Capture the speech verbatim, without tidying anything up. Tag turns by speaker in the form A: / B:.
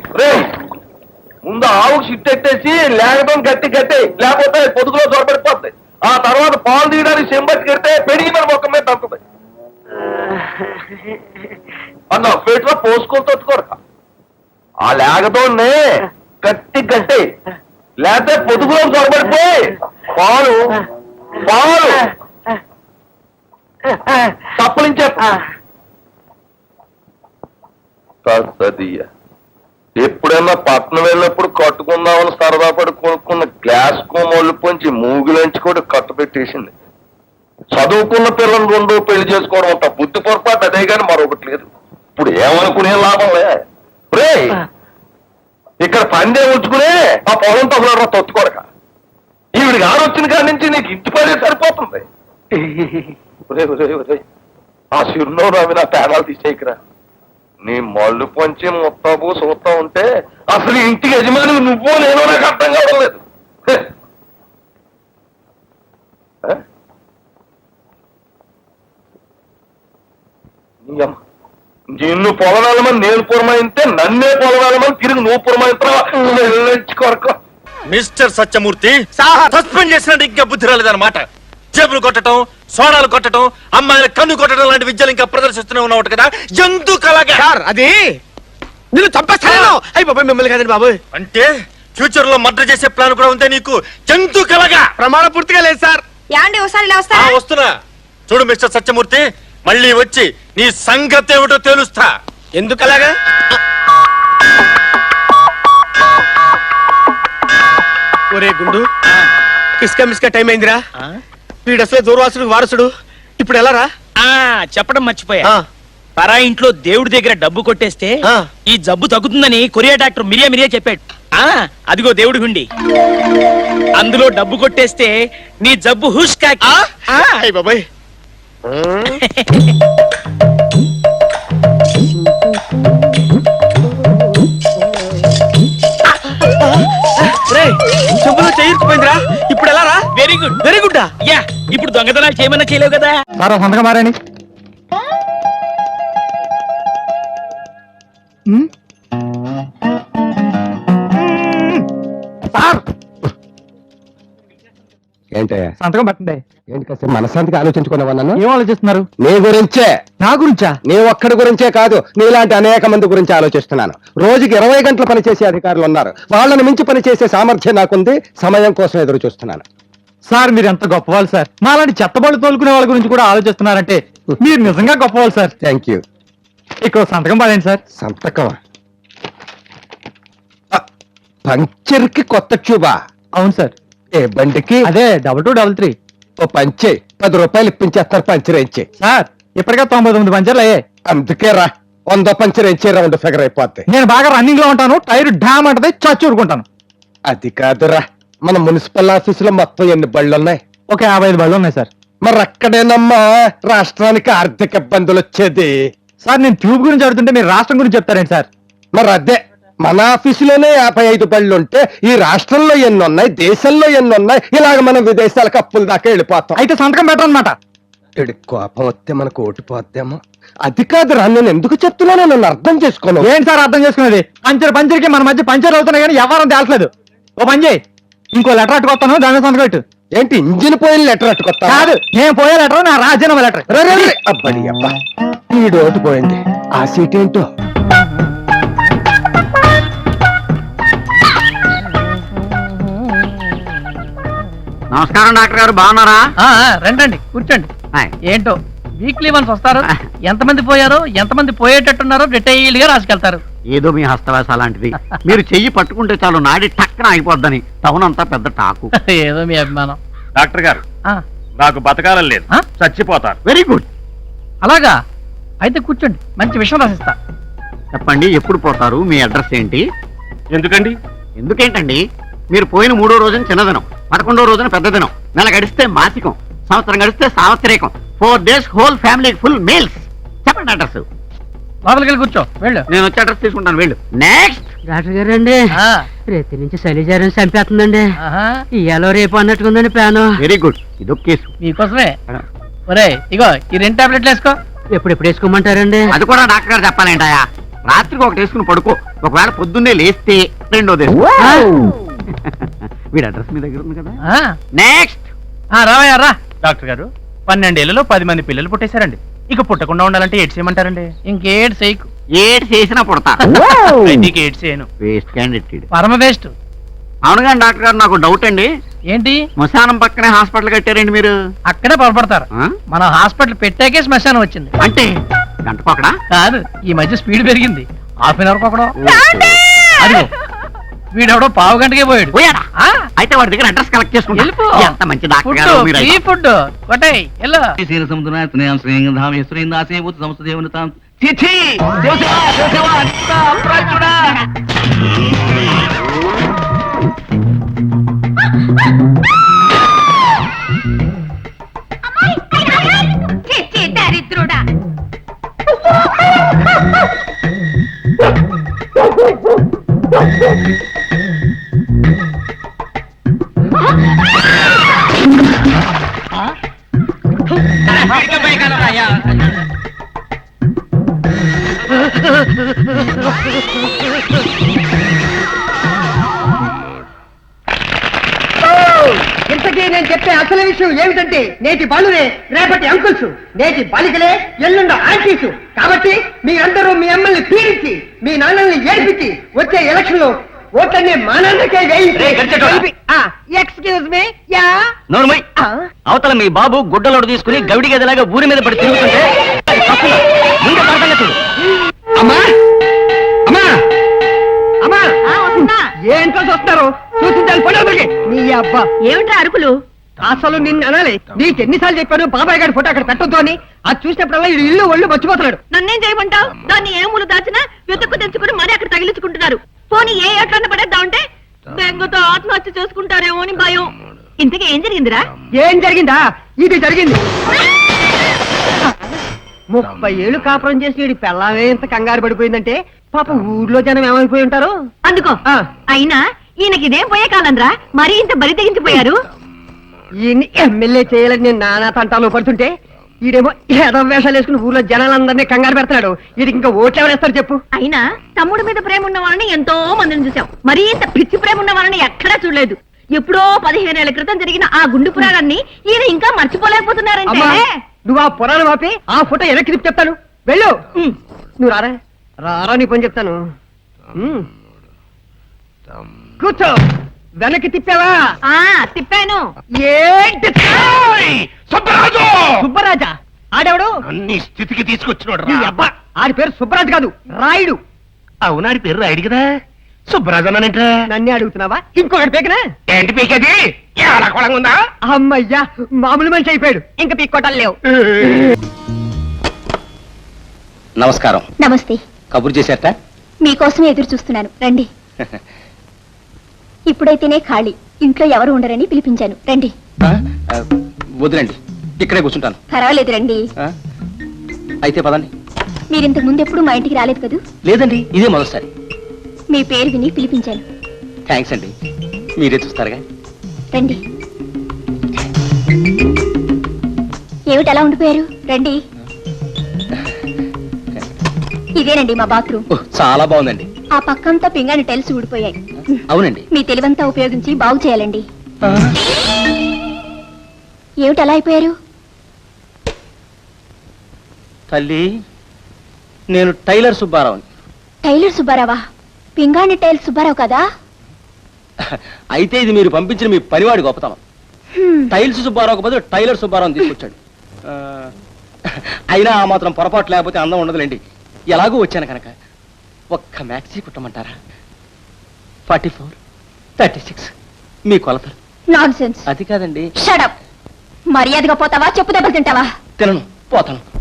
A: ముందు ఆవుకు సిట్టెట్టేసి లేకపోతే గట్టి గట్టి లేకపోతే పొదుగులో చొరబడిపోద్ది. ఆ తర్వాత పాలు తీయడానికి చెంబట్టి కడితే పెరిగి మన మొక్క మీద తంతుంది. అన్న పేట్లో పోసుకొని తొట్టుకోరు. ఆ లేకతోనే గట్టి గట్టి లేకపోతే పొదుగులో చొరబడిపోయి పాలు పాలు తప్పలించే ఎప్పుడైనా పట్నం వెళ్ళినప్పుడు కట్టుకుందామని సరదా పడి కొనుక్కున్న గ్లాస్ కోమోళ్ళు పొంచి మూగిలంచి కూడా కట్టు పెట్టేసింది. చదువుకున్న పిల్లలు రెండో పెళ్లి చేసుకోవడం అంట బుద్ధి పొరపాటు అదే కానీ మరొకటి లేదు. ఇప్పుడు ఏమనుకునే లాభంలే. రే ఇక్కడ పందే ఉంచుకునే ఆ పొలం తగులరా తొత్తుకోరక. ఈవిడికి ఆడొచ్చిన కాడి నుంచి నీకు ఇంటి పడే సరిపోతుంది. ఆ చిరునవ్వు అవి నా పేదాలు తీసేయకరా. నీ మళ్ళు పొంచి ముత్తాబు చూస్తా ఉంటే అసలు ఇంటికి యజమాని నువ్వు నేను నాకు అర్థం కావడం లేదు. నిన్ను పొలవాలమని నేను పురమాయితే నన్నే పొలవాలమని తిరిగి నువ్వు పురమాయిస్తావా?
B: మిస్టర్ సత్యమూర్తి సస్పెండ్ చేసినట్టు ఇంకా బుద్ధి రాలేదన్నమాట. జేబులు కొట్టడం, సోడాలు కొట్టడం, అమ్మాయిల కన్ను కొట్టడం లాంటి విద్యలు ఇంకా ప్రదర్శిస్తూనే ఉన్నావు కదా. ఎందుకు అలాగా?
C: అది నిన్ను చంపేస్తాను. అయ్యి బాబాయ్ మిమ్మల్ని కదండి బాబు.
B: అంటే ఫ్యూచర్ లో మర్డర్ చేసే ప్లాన్ కూడా ఉందే నీకు? ఎందుకు అలాగా?
C: ప్రమాణం పూర్తిగా లేదు సార్.
B: వస్తున్నా చూడు మిస్టర్ సత్యమూర్తి, మళ్ళీ వచ్చి నీ సంగతి ఏమిటో తెలుస్తా.
C: ఎందుకు అలాగా? ఒరే గుండు, కిస్కా మిస్కా టైం అయిందిరా. వీడు అసలే దూర్వాసుడు వారసుడు. ఇప్పుడు ఎలా రా?
D: చెప్పడం మర్చిపోయా. పరా ఇంట్లో దేవుడి దగ్గర డబ్బు కొట్టేస్తే ఈ జబ్బు తగ్గుతుందని కొరియా డాక్టర్ మిరియా మిరియా చెప్పాడు. ఆ అదిగో దేవుడి హుండి, అందులో డబ్బు కొట్టేస్తే నీ జబ్బు హుష్ కాకి.
C: బాబాయ్ చెంబులో చేయిపోయిందిరా. ఇప్పుడు ఎలా రా?
D: Very good
C: very good.
D: యా ఇప్పుడు దొంగతనాలు చేయమన్నా చేయలేవు కదా.
E: సంతకం మారండి.
F: ఏంటయ్యా
E: సంతకం పెట్టండి.
F: ఏంటి కాస్త మనశాంతికి ఆలోచించుకున్నావా? నన్ను
E: ఏం ఆలోచిస్తున్నారు?
F: నీ గురించే.
E: నా గురించా?
F: నీ ఒక్కడి గురించే కాదు, నీలాంటి అనేక మంది గురించి ఆలోచిస్తున్నాను. రోజుకి ఇరవై గంటలు పనిచేసే అధికారులు ఉన్నారు. వాళ్ళని మించి పనిచేసే సామర్థ్యం నాకుంది. సమయం కోసం ఎదురు చూస్తున్నాను.
E: సార్ మీరు ఎంత గొప్పవాళ్ళు సార్. మాలాంటి చెత్తబళ్ళు తోలుకునే వాళ్ళ గురించి కూడా ఆలోచిస్తున్నారంటే మీరు నిజంగా గొప్పవాళ్ళు సార్.
F: Thank you.
E: ఇక్కడ సంతకం పడండి సార్.
F: సంతకం? పంచర్ కి కొత్త ట్యూబా?
E: అవును సార్.
F: ఏ బండికి?
E: అదే డబల్ టూ డబల్ త్రీ.
F: ఓ పంచే పది రూపాయలు ఇప్పించేస్తారు. పంచర్ ఇచ్చే
E: సార్. ఇప్పటికే తొంభై తొమ్మిది పంచర్లు అయ్యాయి.
F: అందుకే రా, వంద పంచర్ ఇచ్చే రౌండ్ ఫిగర్ అయిపోద్ది.
E: నేను బాగా రన్నింగ్ లో ఉంటాను. టైర్ డ్యామ్ అంటది, చచ్చి ఊరుకుంటాను.
F: అది కాదురా, మన మున్సిపల్ ఆఫీసులో మొత్తం ఎన్ని బళ్ళు ఉన్నాయి?
E: ఒక యాభై ఐదు బళ్ళు ఉన్నాయి సార్.
F: మరి అక్కడేనమ్మా రాష్ట్రానికి ఆర్థిక ఇబ్బందులు వచ్చేది.
E: సార్ నేను ట్యూబ్ గురించి అడుగుతుంటే మీరు రాష్ట్రం గురించి చెప్తారేంటి సార్?
F: మరి అదే, మన ఆఫీసులోనే యాభై ఐదు బళ్ళు ఉంటే ఈ రాష్ట్రంలో ఎన్ని ఉన్నాయి, దేశంలో ఎన్ని ఉన్నాయి? ఇలాగ మనం విదేశాలకు అప్పుల దాకా వెళ్ళిపోతాం.
E: అయితే సంతకం పెట్టనమాట.
F: ఇడి కోపం వస్తే మనకు ఓటిపోద్దేమో. అది కాదురా, నేను ఎందుకు చెప్తున్నానో నన్ను అర్థం చేసుకోను.
E: ఏంటి సార్ అర్థం చేసుకునేది? పంచర్ పంచర్కి మన మధ్య పంచర్ అవుతున్నాయి కానీ ఎవరం తేల్చలేదు. ఓ పని చేయి, ఇంకో లెటర్ అట్టుకొస్తాను, దాని సంతకం పెట్టు.
F: ఏంటి ఇంజిన్ పోయిన లెటర్ అట్టుకొస్తా?
E: కాదు, నేను పోయే లెటర్ నా రాజీనామా లెటర్.
F: అబ్బడి అబ్బా, ఈ ఓటు పోయింది. ఆ సీట్ ఏంటో.
G: నమస్కారం డాక్టర్ గారు, బాగున్నారా?
D: రండి కూర్చోండి. ఏంటో వీక్లీ వన్స్ వస్తారు. ఎంతమంది పోయారో ఎంతమంది పోయేటట్టున్నారో డీటెయిల్ గా రాసుకెళ్తారు.
G: ఏదో మీ హస్తవాస అలాంటిది. మీరు చెయ్యి పట్టుకుంటే చాలు నాడి టక్కన అయిపోద్దని టౌన్ అంతా పెద్ద టాకు.
D: ఏదో మీ అభిమానం.
B: డాక్టర్ గారు, నాకు బతకాలని లేదు, చచ్చిపోతారు.
G: Very good.
D: అలాగా అయితే కూర్చోండి, మంచి విషయం రాసిస్తా.
G: చెప్పండి, ఎప్పుడు పోతారు? మీ అడ్రస్ ఏంటి?
B: ఎందుకండి?
G: ఎందుకేంటండి, మీరు పోయిన మూడో రోజున చిన్నదినం, పదకొండో రోజున పెద్ద దినం, నెల గడిస్తే మాసికం, సంవత్సరం గడిస్తే సావత్రికం, four days whole family full meals. చెప్పండి అడ్రస్.
D: లోపలికి వెళ్ళి కూర్చో, వెళ్ళు.
G: నేను వచ్చి అడ్రస్ తీసుకుంటాను, వెళ్ళు. నెక్స్ట్.
H: డాక్టర్ గారు అండి, రేతి నుంచి శైలిజారం చంపేస్తుందండి. ఇయాలో రేపు అన్నట్టుకుందండి ప్లాను.
G: వెరీ గుడ్, ఇదొక కేసు
D: మీకోసమే. ఒరే ఇగో ఈ రెండు టాబ్లెట్లు వేసుకో.
H: ఎప్పుడు ఎప్పుడు వేసుకోమంటారండి?
G: అది కూడా డాక్టర్ గారు చెప్పాలేంటాయా? రాత్రికి ఒకటి వేసుకుని పడుకో, ఒకవేళ పొద్దున్నే లేస్తే రెండోది వేసుకో. వీడి అడ్రస్ మీ దగ్గర ఉంది కదా. నెక్స్ట్
D: రావయ్యా రా. డాక్టర్ గారు పన్నెండేళ్లలో పది మంది పిల్లలు పుట్టేశారండి. ఇక పుట్టకుండా ఉండాలంటే ఏడ్స్ చేయమంటారండి? ఇంకేడ్ చేయకు.
G: ఏడు చేసినా పుడతా.
D: నీకు ఏడ్స్ చేయను.
G: Waste candidate.
D: పరమ వేస్ట్.
G: అవును కానీ డాక్టర్ గారు నాకు డౌట్ అండి.
D: ఏంటి?
G: శ్మశానం పక్కనే హాస్పిటల్ కట్టారండి మీరు.
D: అక్కడే పొరపడతారు.
G: ఆ?
D: మన హాస్పిటల్ పెట్టాకే శ్మశానం వచ్చింది.
G: అంటే గంటకొకడా?
D: కాదు, ఈ మధ్య స్పీడ్ పెరిగింది. హాఫ్ అన్ అవర్ ఒకడో. అదిగో వీడెవడో పావు గంటకే పోయాడు.
G: పోయాడా?
D: ఆ?
G: అయితే వాడి దగ్గర అడ్రస్ కలెక్ట్ చేసుకుంటా.
D: వెళ్ళిపో.
G: ఎంత మంచి డాక్టర్
D: ఫుడ్,
G: గారు మీరు
D: ఫ్రీ
G: అయితే.
D: ఫుడ్ కొట్టాయి. ఎల్లో
I: దరిద్రుడా.
C: ఇంతకీ నేను చెప్పే అసలు విషయం ఏమిటంటే నేటి బాలురే రేపటి అంకుల్స్, నేటి బాలికలే ఎల్లుండ ఆంటీస్. కాబట్టి మీ అందరూ మీ అమ్మల్ని పీడించి మీ నాన్నల్ని ఏడిపించి వచ్చే ఎలక్షన్ లో ఓట్లన్నీ మా నాన్నకే ఎక్స్క్యూజ్ మీ యా
D: నోర్మై. అవతల మీ బాబు గుడ్డలోడు తీసుకుని గవిడి గదిలాగా ఊరి మీద పడి తిరుగుతుంటే అది తప్పులా? ముందే పడతానే చూడు.
C: అమ్మా అమ్మా అమ్మా ఏంటో చూస్తున్నారు? చూసించాలి పడవకి నీ అబ్బా.
I: ఏమిట్రా అరుకులు?
C: అసలు నిన్ను అనాలి. నీకు ఎన్నిసార్లు చెప్పాను బాబాయ్ గారి ఫోటో అక్కడ పెట్టొద్దు అని. అది చూసినప్పుడల్లా ఈ ఇల్లు ఒళ్ళు మర్చిపోతున్నాడు.
I: నన్నేం చేయమంటావు? దాన్ని ఏ మూలు దాచినా వెతుక్కు తెచ్చుకుని మరీ అక్కడ తగిలించుకుంటున్నారు. పోనీ ఏ ఎట్లన్న పడేద్దాం అంటే బెంగతో ఆత్మహత్య చేసుకుంటారేమో అని భయం. ఇంతకీ ఏం జరిగిందిరా?
C: ఏం జరిగిందా? ఇది జరిగింది. ముప్పై ఏళ్ళు కాపురం చేసి వీడి పెళ్ళామే ఇంత కంగారు పడిపోయిందంటే పాప ఊర్లో జనం ఏమైపోయి ఉంటారు.
I: అందుకో.
C: ఆ.
I: అయినా ఈయనకి ఇదేం పోయే కాలంరా, మరీ ఇంత బరి తెగించిపోయారు.
C: ఈయన్ని ఎమ్మెల్యే చేయాలని నేను నానా తంటాలు పడుతుంటే ఈడేమో ఏదో వేషాలు వేసుకుని ఊర్లో జనాలందరినీ కంగారు పెడతాడు. వీడికి ఇంకా ఓట్లు ఎవరేస్తారు చెప్పు?
I: అయినా తమ్ముడి మీద ప్రేమ ఉన్న వాళ్ళని ఎంతో మందిని చూసాం, మరీ ఇంత పిచ్చి ప్రేమ ఉన్న వాళ్ళని ఎక్కడా చూడలేదు. ఎప్పుడో పదిహేనేళ్ల క్రితం జరిగిన ఆ గుండు పురాణాన్ని ఈయన ఇంకా మర్చిపోలేకపోతున్నారంటే.
C: అమ్మా, నువ్వు ఆ పురాణం ఆపి ఆ ఫోటో వెనక్కి తిప్పి చెప్తాను. వెళ్ళు. నువ్వు రారా రారా నీ పని చెప్తాను. ఉమ్. కూర్చో. వెనక్కి తిప్పావా?
I: ఆ తిప్పాను.
C: ఏంటి
B: సుబ్బరాజు!
C: సుబ్బరాజా? ఆడెవడు?
B: అన్ని స్థితికి తీసుకొచ్చినోడు
C: నీ అబ్బా, ఆడి పేరు సుబ్బరాజు కాదు, రాయుడు.
B: అవునాడి పేరు రాయుడు కదా. సుబ్బరాజు అన్నానంట.
C: నన్నే అడుగుతున్నావా? ఇంకొకటి పేకనా?
B: ఏంటి పీకది? ఏడాకోళంగా ఉందా?
C: అమ్మయ్యా, మామూలు మనిషి అయిపోయాడు. ఇంకా పీక్కోటాలు లేవు.
F: నమస్కారం.
I: నమస్తే.
F: కబురు చేశారట?
I: మీకోసమే ఎదురు చూస్తున్నాను, రండి. ఇప్పుడైతేనే ఖాళీ, ఇంట్లో ఎవరు ఉండరని పిలిపించాను, రండి.
F: వదిలేండి, ఇక్కడే కూర్చుంటాను.
I: పర్వాలేదు, రండి.
F: అయితే పదండి.
I: మీరింతకు ముందు ఎప్పుడు మా ఇంటికి రాలేదు కదూ?
F: లేదండి, ఇదే మొదటిసారి.
I: మీ పేరు విని పిలిపించాను.
F: థ్యాంక్స్ అండి, మీరే చూస్తారుగా.
I: రండి. ఏమిటి అలా ఉండిపోయారు? రండి. ఇదేనండి మా బాత్రూమ్.
F: చాలా బాగుందండి.
I: ఆ పక్కంతా పింగాణి టైల్స్ ఊడిపోయాయి.
F: అవునండి.
I: మీ తెలివంతా ఉపయోగించి బాగు చేయాలండి. ఏమిటి అలా అయిపోయారు?
F: తల్లి, నేను టైలర్ సుబ్బారావుని.
I: టైలర్ సుబ్బారావా? పింగాణి టైల్స్ సుబ్బారావు కదా?
F: అయితే ఇది మీరు పంపించిన మీ పనివాడి గొప్పతనం. టైల్స్ సుబ్బారావు బదులు టైలర్ సుబ్బారావుని తీసుకొచ్చాడు. ఆ, అయినా ఆ మాత్రం పొరపాటు లేకపోతే అందం ఉండదులేండి. ఎలాగూ వచ్చాను కనుక ఒక్క మ్యాక్సీ కుట్టమంటారా? ఫార్టీ ఫోర్ థర్టీ సిక్స్ మీ కొలతలు.
I: నాన్సెన్స్.
F: అది కాదండి.
I: Shut up. మర్యాదగా పోతావా, చెప్పు దెబ్బలు తింటావా?
F: తినను, పోతాను.